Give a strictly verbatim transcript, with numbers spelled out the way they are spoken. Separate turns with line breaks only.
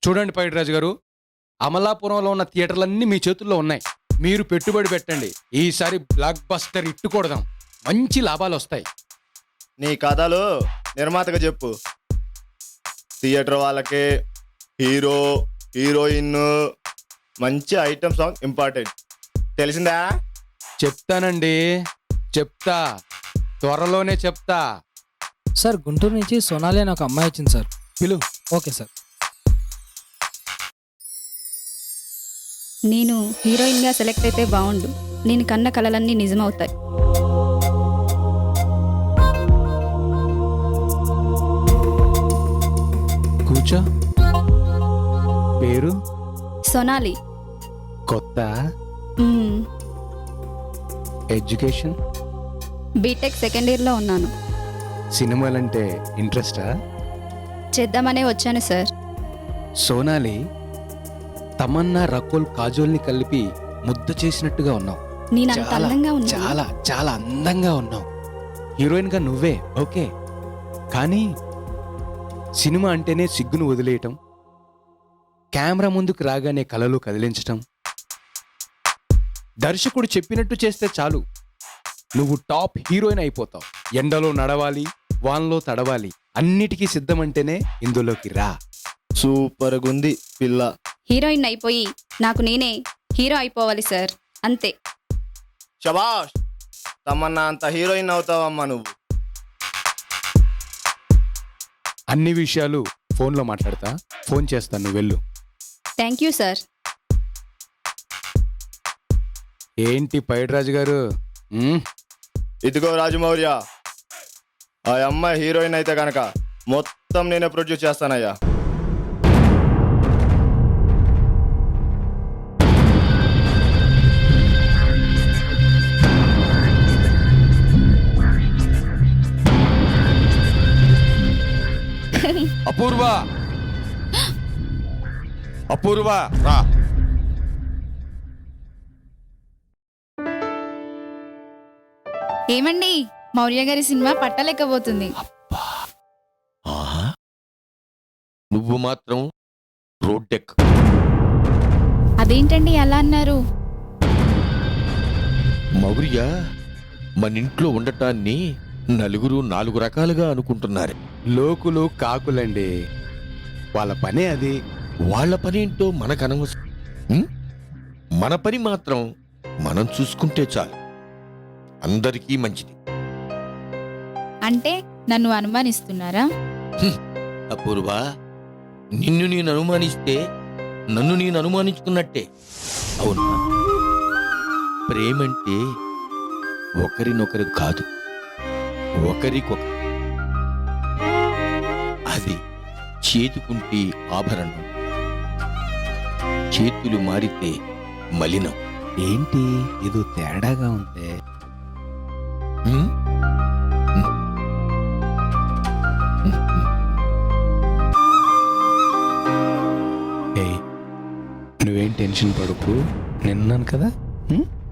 చూడండి పైడిరాజు గారు, అమలాపురంలో ఉన్న థియేటర్లన్నీ మీ చేతుల్లో ఉన్నాయి. మీరు పెట్టుబడి పెట్టండి. ఈసారి బ్లాక్ బస్టర్ ఇట్టు కొడదాం. మంచి లాభాలు వస్తాయి.
నీ కథలు నిర్మాతగా చెప్పు. థియేటర్ వాళ్ళకి హీరో హీరోయిన్ మంచి ఐటమ్ సాంగ్ ఇంపార్టెంట్, తెలిసిందా?
చెప్తానండి, చెప్తా, త్వరలోనే చెప్తా.
సార్ గుంటూరు నుంచి సోనాలి అని ఒక అమ్మాయి వచ్చింది సార్.
పిలు.
Okay sir.
నేను హీరోయిన్గా సెలెక్ట్ అయితే బాగుండు. నేను కన్న కలలన్నీ నిజమవుతాయి.
కూర్చో. పేరు?
సోనాలి.
కొత్త?
మ్మ్.
ఎడ్యుకేషన్?
బీటెక్ సెకండ్ ఇయర్లో ఉన్నాను.
సినిమాలంటే ఇంట్రెస్టా?
చేద్దామనే వచ్చాను సార్.
సోనాలి, తమన్నా రకుల్ కాజోల్ని కలిపి ముద్ద చేసినట్టుగా ఉన్నావు.
నేను అంత
చాలా
అందంగా ఉన్నా?
చాలా చాలా అందంగా ఉన్నావు. హీరోయిన్ గా నువ్వే ఓకే, కానీ సినిమా అంటేనే సిగ్గును వదిలేయటం, కెమెరా ముందుకు రాగానే కలలు కదిలించటం, దర్శకుడు చెప్పినట్టు చేస్తే చాలు నువ్వు టాప్ హీరోయిన్ అయిపోతావు. ఎండలో నడవాలి, వాన్లో తడవాలి, అన్నిటికీ సిద్ధమంటేనే ఇందులోకి రా.
సూపర్ గుంది పిల్ల.
హీరోయిన్ అయిపోయి నాకు నేనే హీరో అయిపోవాలి సార్, అంతే.
శబాష్, తమన్నా అంత హీరోయిన్ అవుతావమ్మా నువ్వు.
అన్ని విషయాలు ఫోన్లో మాట్లాడతా. ఫోన్ చేస్తాను, నువ్వు వెళ్ళు.
Thank you sir.
ఏంటి పైడిరాజు గారు? ఉమ్,
ఇదిగో రాజమౌర్య, ఆ అమ్మాయి హీరోయిన్ అయితే కనుక మొత్తం నేనే ప్రొడ్యూస్ చేస్తానయ్యా.
అపూర్వ, అపూర్వ రా.
ఏమండి, మౌర్య గారి సినిమా పట్టలేకపోతుంది.
ఆహా, నువ్వు మాత్రం రోడ్డెక్.
అదేంటండి అలా అన్నారు?
మౌర్య మన ఇంట్లో ఉండటాన్ని నలుగురు నాలుగు రకాలుగా అనుకుంటున్నారు.
లోకులు కాకులండి, వాళ్ళ పనే అది.
వాళ్ళ పనేంటో మనకు అనవసరం. ఉం? మన పని మాత్రం మనం చూసుకుంటే చాలు, అందరికీ మంచిది.
అంటే నన్ను అనుమానిస్తున్నారా?
అపూర్వ, నిన్ను నేను అనుమానిస్తే నన్ను నేను అనుమానించుకున్నట్టే, అవునా? ప్రేమంటే ఒకరినొకరు కాదు, ఒకరికొకరు. అది చేతుకుంటే ఆభరణం, చేతులు మారితే మలినం.
ఏంటి ఏదో తేడాగా ఉంది?
ఉం?
ఏయ్, నువ్వేం టెన్షన్ పడకు, నేనున్నాను కదా. ఉం?